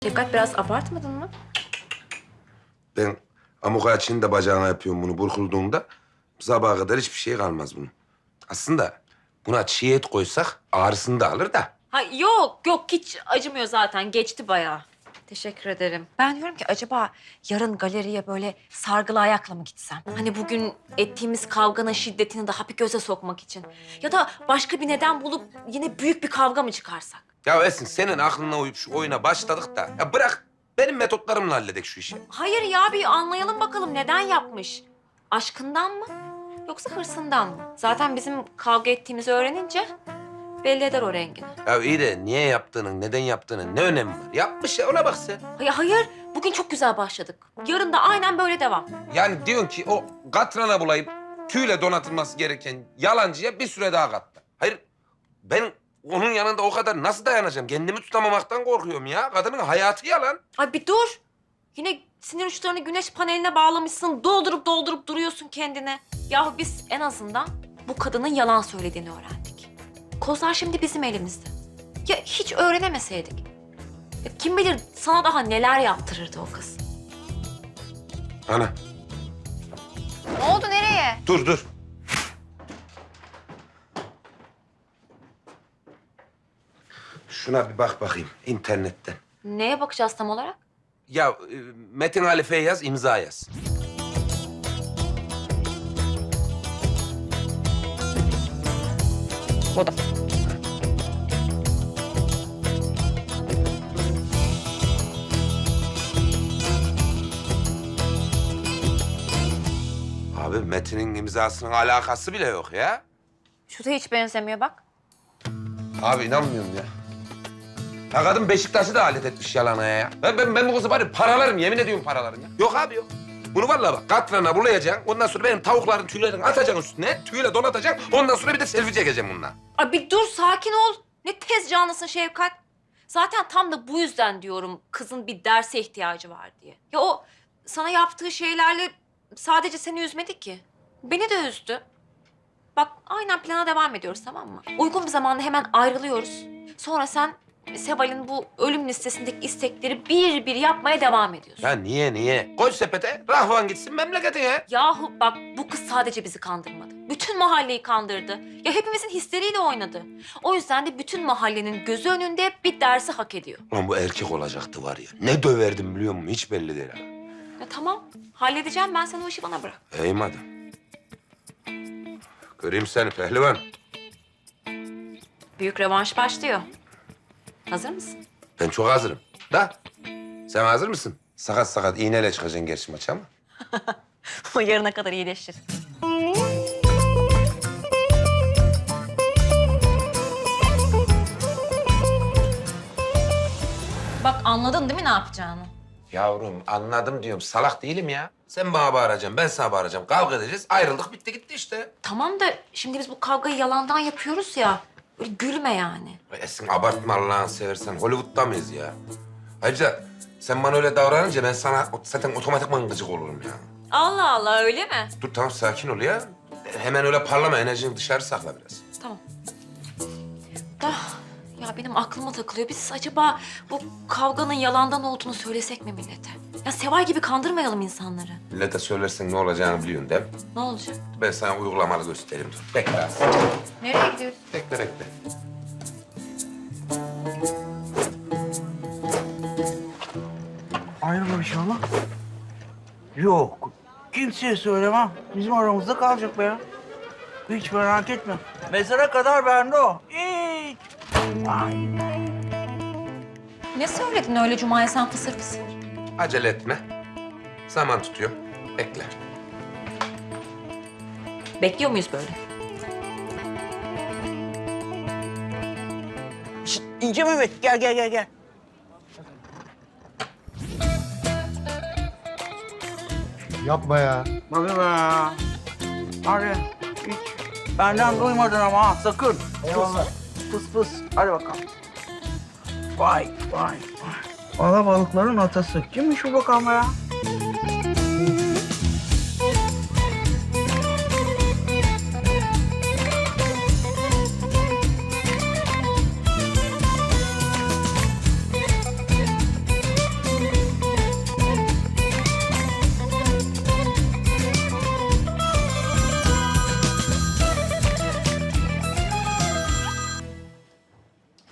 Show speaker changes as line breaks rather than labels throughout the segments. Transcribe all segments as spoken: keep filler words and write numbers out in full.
Şefkat biraz abartmadın mı?
Ben amuka için de bacağına yapıyorum bunu burkulduğunda. Sabaha kadar hiçbir şey kalmaz bunun. Aslında buna çiğ et koysak ağrısını da alır da.
Ha, yok yok hiç acımıyor zaten. Geçti bayağı. Teşekkür ederim. Ben diyorum ki acaba yarın galeriye böyle sargılı ayakla mı gitsem? Hani bugün ettiğimiz kavganın şiddetini daha bir göze sokmak için. Ya da başka bir neden bulup yine büyük bir kavga mı çıkarsak?
Ya Esin senin aklına uyup şu oyuna başladık da. Ya bırak benim metotlarımla halledek şu işi.
Hayır ya bir anlayalım bakalım neden yapmış? Aşkından mı? Yoksa hırsından mı? Zaten bizim kavga ettiğimizi öğrenince belli eder o rengini.
Ya iyi de niye yaptığının, neden yaptığının ne önemi var? Yapmış ya ona bak sen.
Hayır, hayır. Bugün çok güzel başladık. Yarın da aynen böyle devam.
Yani diyorsun ki o katrana bulayıp tüyle donatılması gereken yalancıya bir süre daha kattı. Hayır ben onun yanında o kadar nasıl dayanacağım? Kendimi tutamamaktan korkuyorum ya. Kadının hayatı yalan.
Ay bir dur. Yine sinir uçlarını güneş paneline bağlamışsın. Doldurup doldurup duruyorsun kendine. Yahu biz en azından bu kadının yalan söylediğini öğrendik. Kozlar şimdi bizim elimizde. Ya hiç öğrenemeseydik? Ya kim bilir sana daha neler yaptırırdı o kız.
Ana
Ne oldu, nereye?
dur dur. Şuna bir bak bakayım internetten.
Neye bakacağız tam olarak?
Ya e, Metin Halife'ye yaz, imza yaz.
Bu da.
Abi Metin'in imzasının alakası bile yok ya.
Şu da hiç benzemiyor bak.
Abi inanmıyorum ya. Ya kadın Beşiktaş'ı da alet etmiş yalana ya. Ben, ben, ben bu kızı bari paralarım, yemin ediyorum paralarım ya. Yok abi yok. Bunu vallahi bak katrana bulayacaksın. Ondan sonra benim tavukların tüylerini atacaksın üstüne. Tüyle donatacaksın. Ondan sonra bir de selfie çekeceğim bununla.
Ay bir dur sakin ol. Ne tez canlısın Şevkat. Zaten tam da bu yüzden diyorum kızın bir derse ihtiyacı var diye. Ya o sana yaptığı şeylerle sadece seni üzmedi ki. Beni de üzdü. Bak aynen plana devam ediyoruz tamam mı? Uygun bir zamanda hemen ayrılıyoruz. Sonra sen Seval'in bu ölüm listesindeki istekleri bir bir yapmaya devam ediyorsun.
Ya niye niye? Koy sepete, rahvan gitsin memleketine.
Yahu bak bu kız sadece bizi kandırmadı. Bütün mahalleyi kandırdı. Ya hepimizin hisleriyle oynadı. O yüzden de bütün mahallenin gözü önünde bir dersi hak ediyor.
Lan bu erkek olacaktı var ya. Ne döverdim biliyor musun? Hiç belli değil ha.
Ya tamam halledeceğim ben sen o işi bana bırak.
İyi madem. Göreyim seni pehlivan.
Büyük revanş başlıyor. Hazır mısın?
Ben çok hazırım. Da sen hazır mısın? Sakat sakat iğneyle çıkacaksın gerçi maça ama.
O yarına kadar iyileşir. Bak anladın değil mi ne yapacağını?
Yavrum anladım diyorum. Salak değilim ya. Sen bana bağıracaksın, ben sana bağıracağım. Kavga edeceğiz. Ayrıldık, bitti gitti işte.
Tamam da şimdi biz bu kavgayı yalandan yapıyoruz ya. Böyle gülme yani.
Ay Esin abartma Allah'ını seversen. Hollywood'da mıyız ya? Ayrıca sen bana öyle davranınca ben sana zaten otomatikman gıcık olurum ya.
Allah Allah öyle mi?
Dur tamam sakin ol ya. Hemen öyle parlama, enerjini dışarı sakla biraz.
Tamam. Da ya benim aklıma takılıyor. Biz acaba bu kavganın yalandan olduğunu söylesek mi millete? Ya Seval gibi kandırmayalım insanları.
Millete söylersen ne olacağını biliyorsun değil mi?
Ne olacak?
Ben sana uygulamalı göstereyim. Dur. Bekle az.
Nereye gidiyoruz?
Bekle bekle.
Hayırdır inşallah? Yok. Kimseye söylemem. Bizim aramızda kalacak be ya. Hiç merak etme. Mezara kadar bende o. Hiç. Ay.
Ne söyledin öyle Cuma'ya sen fısır fısır?
Acele etme. Zaman tutuyor. Bekle.
Bekliyor muyuz böyle?
Şişt, İnce Mehmet gel gel gel gel.
Yapma ya.
Tabii be. Hadi hiç. Benden duymadın ama ha, sakın. Eyvallah. Pıs pıs. Hadi bakalım. Vay vay vay. Alabalıkların atası. Kimmiş bu bakalım ya?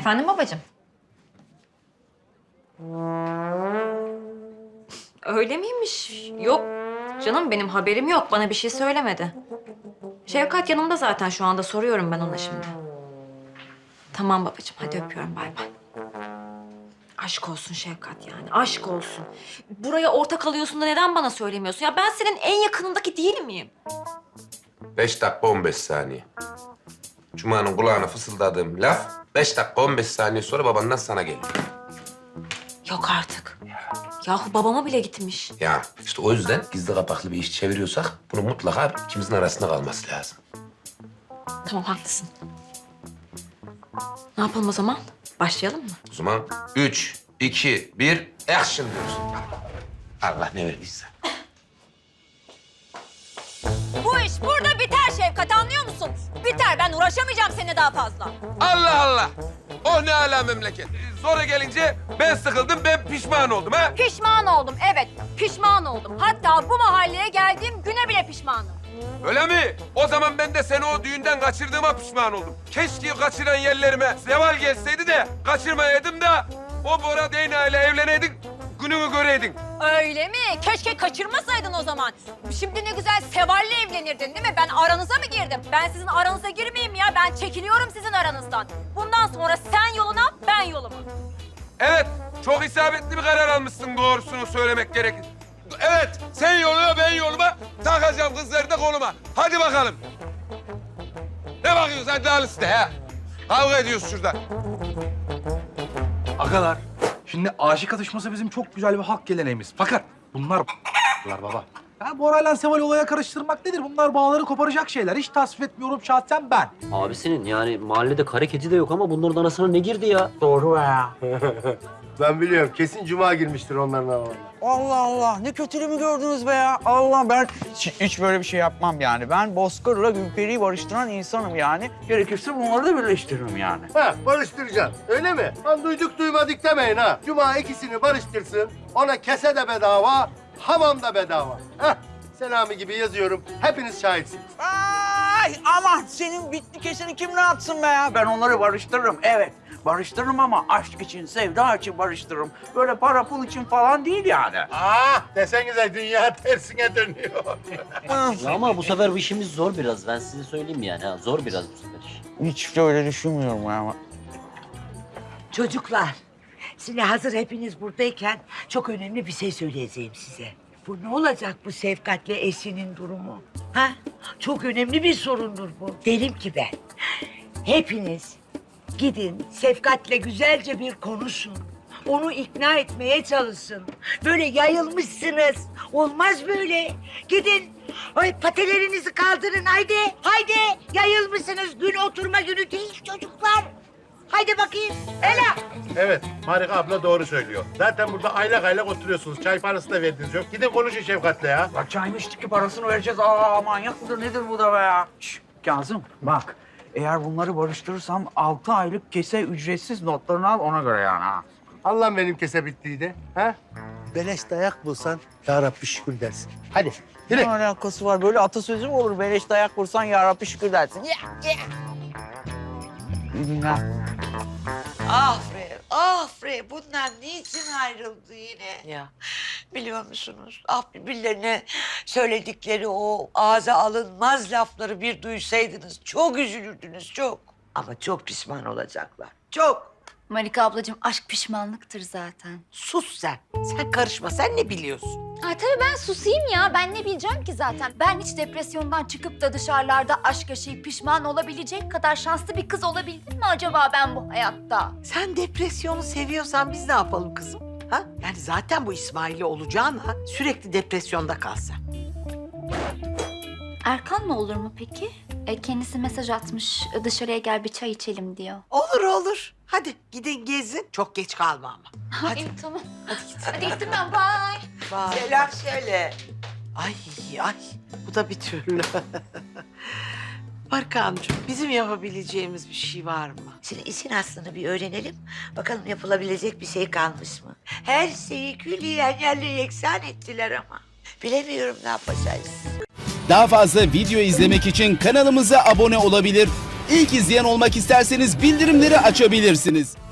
Efendim babacığım? Öyle miymiş? Yok canım, benim haberim yok. Bana bir şey söylemedi. Şevkat yanımda zaten şu anda, soruyorum ben ona şimdi. Tamam babacığım, hadi öpüyorum, bay bay. Aşk olsun Şevkat yani, aşk olsun. Buraya ortak alıyorsun da neden bana söylemiyorsun? Ya ben senin en yakınındaki değil miyim?
Beş dakika on beş saniye. Cuma'nın kulağına fısıldadığım laf beş dakika on beş saniye sonra babandan sana geliyor.
Yok artık. Yahu babama bile gitmiş.
Ya işte o yüzden gizli kapaklı bir iş çeviriyorsak bunu mutlaka ikimizin arasında kalması lazım.
Tamam, haklısın. Ne yapalım o zaman? Başlayalım mı?
O zaman üç, iki, bir, action diyoruz. Allah ne verdiyse.
Bu iş burada biter Şevkat, anlıyor musun? Biter, ben uğraşamayacağım seninle daha fazla.
Allah Allah! Oh ne ala memleket. Sonra gelince ben sıkıldım, ben pişman oldum ha.
Pişman oldum, evet. Pişman oldum. Hatta bu mahalleye geldiğim güne bile pişmanım.
Öyle mi? O zaman ben de seni o düğünden kaçırdığıma pişman oldum. Keşke kaçıran yerlerime zeval gelseydi de kaçırmayaydım da o Bora Deyna ile evleneydik, gününü göreydin.
Öyle mi? Keşke kaçırmasaydın o zaman. Şimdi ne güzel Seval'le evlenirdin değil mi? Ben aranıza mı girdim? Ben sizin aranıza girmeyeyim ya. Ben çekiliyorum sizin aranızdan. Bundan sonra sen yoluna, ben yoluma.
Evet, çok isabetli bir karar almışsın, doğrusunu söylemek gerekir. Evet, sen yoluna, ben yoluma, takacağım kızları da koluma. Hadi bakalım. Ne bakıyorsun? Hadi al işte ha. Kavga ediyoruz şurada.
Agalar, şimdi aşık atışması bizim çok güzel bir halk geleneğimiz. Fakat bunlar baba. Ya Bora'yla Seval olaya karıştırmak nedir? Bunlar bağları koparacak şeyler. Hiç tasvip etmiyorum şahsen ben.
Abisinin yani mahallede kare kedi de yok ama bunların arasına ne girdi ya?
Doğru ya.
Ben biliyorum. Kesin Cuma girmiştir onların aralarına.
Allah Allah, ne kötülüğümü gördünüz be ya. Allah, ben hiç, hiç böyle bir şey yapmam yani. Ben Bozkır'la Gülperi'yi barıştıran insanım yani. Gerekirse bunları da birleştiririm yani.
Ha, barıştıracaksın. Öyle mi? Lan duyduk duymadık demeyin ha. Cuma ikisini barıştırsın. Ona kese de bedava, hamam da bedava. Hah, Selami gibi yazıyorum. Hepiniz şahitsiniz.
Ay aman, senin bitli keseni kim ne yapsın be ya? Ben onları barıştırırım, evet. Barıştırırım ama aşk için, sevda için barıştırırım. Böyle para pul için falan değil yani.
Ah, desenize dünya tersine dönüyor.
Ya ama bu sefer bu işimiz zor biraz. Ben size söyleyeyim yani. Ha. Zor biraz bu sefer iş.
Hiç de öyle düşünmüyorum ama.
Çocuklar, şimdi hazır hepiniz buradayken çok önemli bir şey söyleyeceğim size. Bu ne olacak bu Şefkat'le Esin'in durumu? Ha? Çok önemli bir sorundur bu. Derim ki ben, hepiniz gidin Şefkat'le güzelce bir konuşun. Onu ikna etmeye çalışın. Böyle yayılmışsınız. Olmaz böyle. Gidin. Ay patelerinizi kaldırın haydi. Haydi. Yayılmışsınız. Gün oturma günü değil çocuklar. Haydi bakayım. Ela.
Evet, Marika abla doğru söylüyor. Zaten burada aylak aylak oturuyorsunuz. Çay parası da verdiniz yok. Gidin konuşun Şefkat'le ya.
Ya çayın içtik parasını vereceğiz. Aa manyak mıdır nedir bu da be ya? Şş, Kazım bak, eğer bunları barıştırırsam altı aylık kese ücretsiz notlarını al ona göre yani ha.
Allah benim kese bittiydi. Ha? Beleş dayak bulsan ya Rabbi şükür dersin. Hadi yürü.
Ne alakası var? Böyle atasözü mü olur? Beleş dayak vursan ya Rabbi şükür dersin. Ya, ya. İyi günler.
Ah Fre, ah Fre. Bunlar niçin ayrıldı yine?
Ya.
Biliyor musunuz? Ah birbirlerine söyledikleri o ağza alınmaz lafları bir duysaydınız çok üzülürdünüz çok. Ama çok pişman olacaklar. Çok.
Marika ablacığım, aşk pişmanlıktır zaten.
Sus sen. Sen karışma. Sen ne biliyorsun?
Ay tabii ben susayım ya. Ben ne bileceğim ki zaten. Ben hiç depresyondan çıkıp da dışarılarda aşk yaşayıp pişman olabilecek kadar şanslı bir kız olabildim mi acaba ben bu hayatta?
Sen depresyonu seviyorsan biz ne yapalım kızım? Ha? Yani zaten bu İsmail'i olacağına sürekli depresyonda kalsan.
Erkan'la olur mu peki? E, kendisi mesaj atmış. Dışarıya gel bir çay içelim diyor.
Olur olur. Hadi gidin gezin. Çok geç kalma ama.
Hadi. İyi, tamam. Hadi git. Hadi gittim ben. Bye.
Bye.
Selam söyle.
Ay ay bu da bir türlü. Barkan'cığım bizim yapabileceğimiz bir şey var mı?
Şimdi işin aslını bir öğrenelim. Bakalım yapılabilecek bir şey kalmış mı? Her şeyi külliyen yerle yeksan ettiler ama. Bilemiyorum ne yapacağız.
Daha fazla video izlemek için kanalımıza abone olabilir. İlk izleyen olmak isterseniz bildirimleri açabilirsiniz.